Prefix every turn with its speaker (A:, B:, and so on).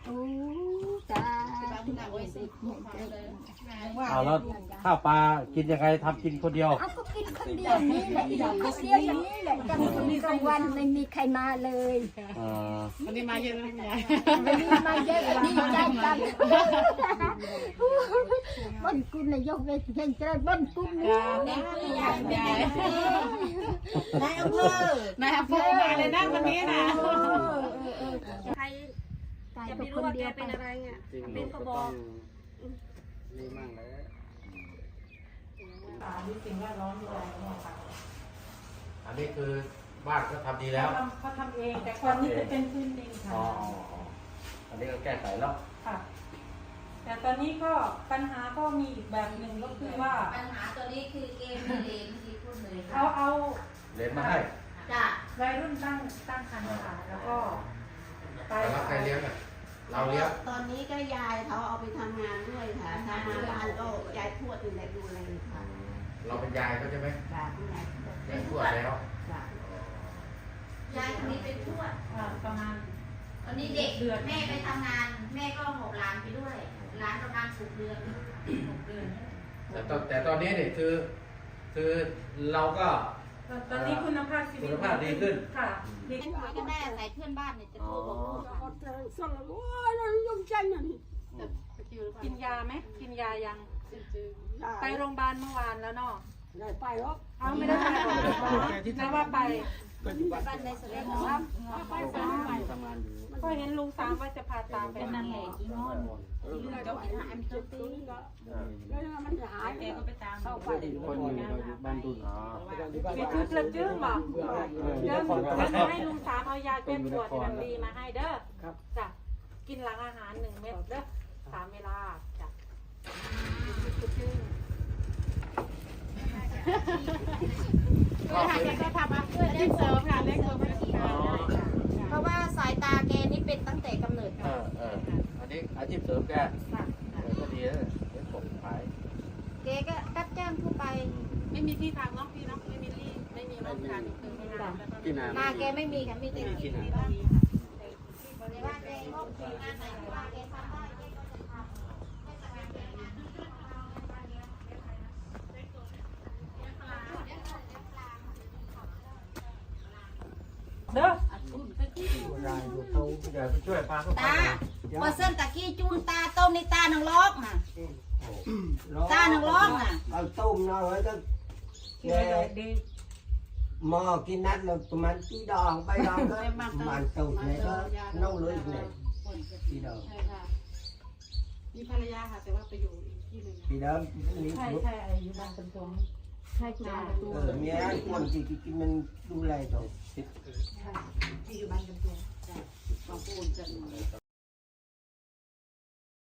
A: จ้า
B: เอาแล้วข้าวปลากินยังไงทำกินคนเดียว
A: เอาก็กินคนเดียวนี่แหละคนเดียวอย่างนี้แหละจังมีกลางวันไม่มีใครมาเลย
C: วันนี้มาเยอะนะยาย
A: วันนี้มาเยอะดีใจกันบ้านกุลนายกเวทีแห่งชาติบ้านกุลนี่
C: ยายนายอำเภอนายอำเภอมาเลยนะวันนี้นะใครจะไม่รู้ว่าแกเป็นอะไรอ่ะเป็นกระบอก
B: นี่มั่งแล้ว
C: มีสิ่งแวดล้อมด้วยค่ะ
B: อันนี้คือบ้านก็ทำดีแล้ว
C: เขาทำเองแต่ก่อนนี้จะเป็นพื้นดินค่ะ
B: อ๋ออันนี้ก็แก้ไขแล้ว
C: ค่ะ แต่ตอนนี้ก็ปัญหาก็มีอีกแบบหนึ่งก็คือว่า
D: ปัญหาตัวนี้คือเกมมีเลนที่พูดเลย
C: เอา
B: เหรียญมาให้
D: จ้ะ
C: วัยรุ่นตั้งคันค่ะแล้วก็ไป
B: แล้วใครเลี้ยงอ่ะเราเลี้ยง
E: ตอนนี้ก็ยายเขาเอาไปทำงานด้วยค่ะทำงานบ้านก็ยายทวดอยู่ในดูแลค่ะ
B: เราเป็นยายเขาใช่ไหม
E: จ้ะคุณยาย
B: ยายทวดแล้ว
E: จ้ะ
D: ยายคนนี้เป็นทวด
C: ประมาณ
D: ตอนนี้เด็กแม่ไปทำงาน แม่ก็หอบหลานไปด้วยหลานประมาณ6 เดือน6 เดือน
B: แต่ตอนนี้เนี่ยคือเราก็
C: ตอนนี้คุณภาพชีวิต
B: คุณภาพดีขึ้น
C: ค่ะดี
D: เป็นหวยกันแน่ใส่เพื่อนบ้านเนี่ยจะโทรบอกลูก
C: กินยาไหมกินยายังไปโรงพยาบาลเมื่อวานแล้วเนาะ
A: ไปหรอก
C: เอาไม่ได้ไปหรอกแล้วว่าไป
D: บ้านในสระน้ำ
C: ก็เห็นลุงตามว่าจะพาตามไปนั่นแหละ
A: มันหาย
D: แกก็ไปตาม
A: เข้าไป
B: บ้านดุนอ๋อ
C: ไปทุบกระจึ้งบอกเดี๋ยวจะให้ลุงตามเอายาแก้ปวดมันดีมาให้เด้อจ้ะกินหลังอาหาร1 เม็ดเด้อ3 เวลาจ้ะกระจึ้ง
D: ก็ทำแกก็ทำมาเพื่อเล่นเสริมค่ะเล่นเสริมเพราะว่าสายตาแกนี่เป็นตั้งแต่กำเนิด
B: อันนี้อาชีพเสริมแกก็ดีนะเดี๋ยวผมขาย
D: แกก็รับจ้างทั่วไป
C: ไม่มีที่ทางเนาะพี่เนาะไม่มีที่ไม่มีรถทางคือไม่นานแล้วก็
B: ที่นา
D: นาแกไม่มีค่ะมีแต่ที่ในบ้านในบ้านแกก็มีงานไหนว่าแกทำได้แกก็จะทำให้ทำงานแกงาน
C: เด้อ
B: รายดูเขาเดี๋ยวไปช่วยป้าเขา
D: ตาพอเส้นตะกี้จูนตาต้มในตาหนังล็อกน่ะตาหนังล็อกน่ะ
F: เอาต้มเนาะแล้วก็แกหม้อกินนัดแล้วประมาณกี่ดองไปดองก็ประมาณตุ่มเนี่ยก็น่าเลยเนี่ยกี่ดอง
C: มีภรรยาค่ะแต่ว่าไปอยู่อีกที่หนึ่ง
F: กี่ดองนี่
C: ใช่อยู่บ้านเป็นตัวใช่คุณอา
F: เมียคนที่กินมันดูแลตัว
C: ที่อยู่บ้านเป็นตัวจ้ะมาพูดกัน